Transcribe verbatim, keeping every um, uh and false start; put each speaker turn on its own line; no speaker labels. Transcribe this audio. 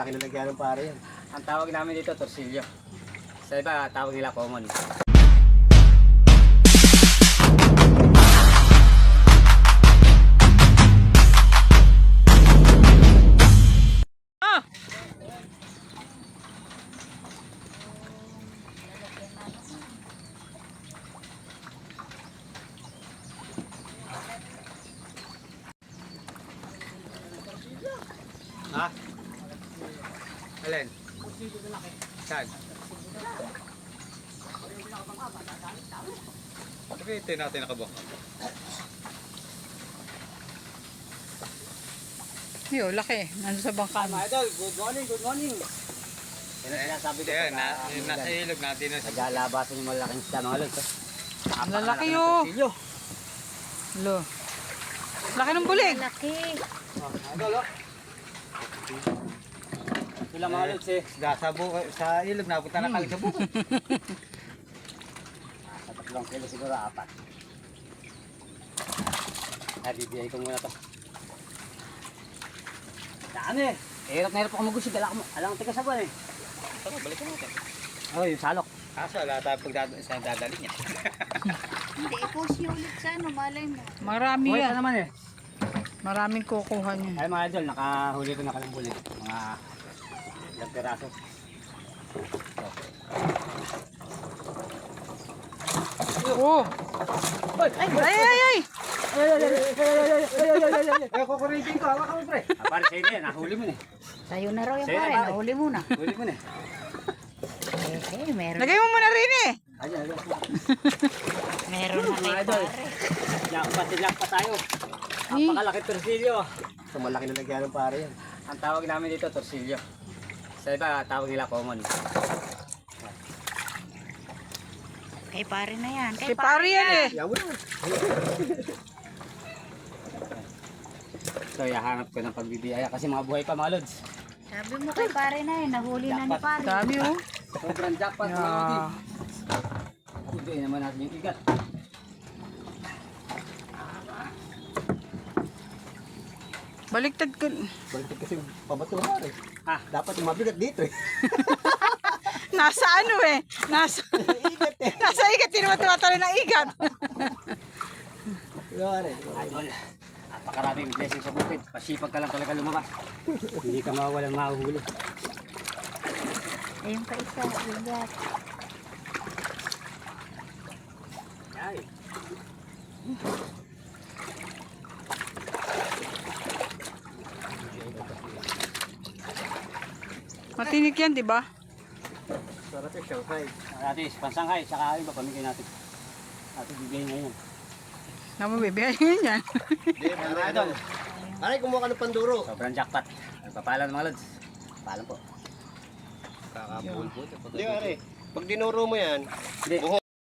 Kinalagyan ng pare yan.
Ang tawag namin dito, torsilyo. Sa iba, tawag nila common.
Ha? Alin? Saan? Sabi ito natin nakabok.
Yo, laki. Nandun sa bangka.
Mga idol, good morning, good morning. Yan ang sinasabi ko.
Ayan, na, yung nasa ilog natin.
Naglalabasan yung malaking isda mga lods.
Ang lalaki oh. Lo. Laki ng bulig.
Laki.
Idol, oh. Sila mga lods eh.
Sa, sa, bu- sa ilog, napunta na kami sa bukid.
Sa tatlong kilo siguro, apat. Ay, bibiyay ko muna to. Dami eh. Hirap na hirap ako mag-usig. Alam ko, alam ko tigas ako eh.
Tara, balikan natin.
Oh, yung salok.
Kaso, wala tayo pagdadali sa dadali niya.
Hindi, i-post niyo ulit sa ano, malay mo.
Marami
Buhay
yan.
pa naman eh.
Maraming kukuha niya.
Ay mga idol, nakahuli ko na kalang bulit. Mga ilang piraso.
Oh. Ay, ay, ay.
Eh, kukuripin ko. Hawa kami, pre.
Ah, pare, sa'yo na yan. Nahuli mo na eh.
Sa'yo na raw yung
Sa'yo na,
pare,
pare.
nahuli mo na.
Huli mo na eh.
Eh, eh, meron.
Lagay mo muna rin eh.
Ayan, ayan.
Meron na
Mga
kay
idol.
pare.
Jackpot, jackpot tayo.
Eh.
Napakalaki torsilyo.
Sa malaki na lagyan ng pare yan.
Ang tawag namin dito, torsilyo. Sa iba, tawag nila common.
Kay pare na yan.
Si pare yan eh.
Yawo na.
So, ihahanap ko ng pagbibiyaya kasi mga buhay pa mga lods.
Sabi mo kay pare na yan, nahuli na ni pare.
Dami oh.
Sobrang jackpot mga
Yeah.
lods. Ibigay naman natin yung igat.
Baliktad ko.
Balikan kasi pabato na rin.
Ah,
Dapat yung mabigat dito eh.
Nasa ano eh. Nasa igat eh. Nasa igat. Hindi naman tumatalo ng igat.
Yari.
idol. Napakaraming blessing sa bukid. Pasipag ka lang talaga lumabas. Hindi ka mawawalang mahuhuli.
Ayun pa isa, bigat.
Ay.
Matinik yan, di ba?
Sarap yung Shanghai.
Natin, pansangkay, saka iba pamigay natin. Natin bibigyan ngayon.
Naman bibigay yun yan.
Hindi,
Mga idol,
Aray, kumuha ka ng panduro.
sobrang jackpot. Nagpapala ng mga lods. Paalam po.
Kakapulpot. Hindi, Aray. Pag dinuro mo yan,
Hindi,
buho.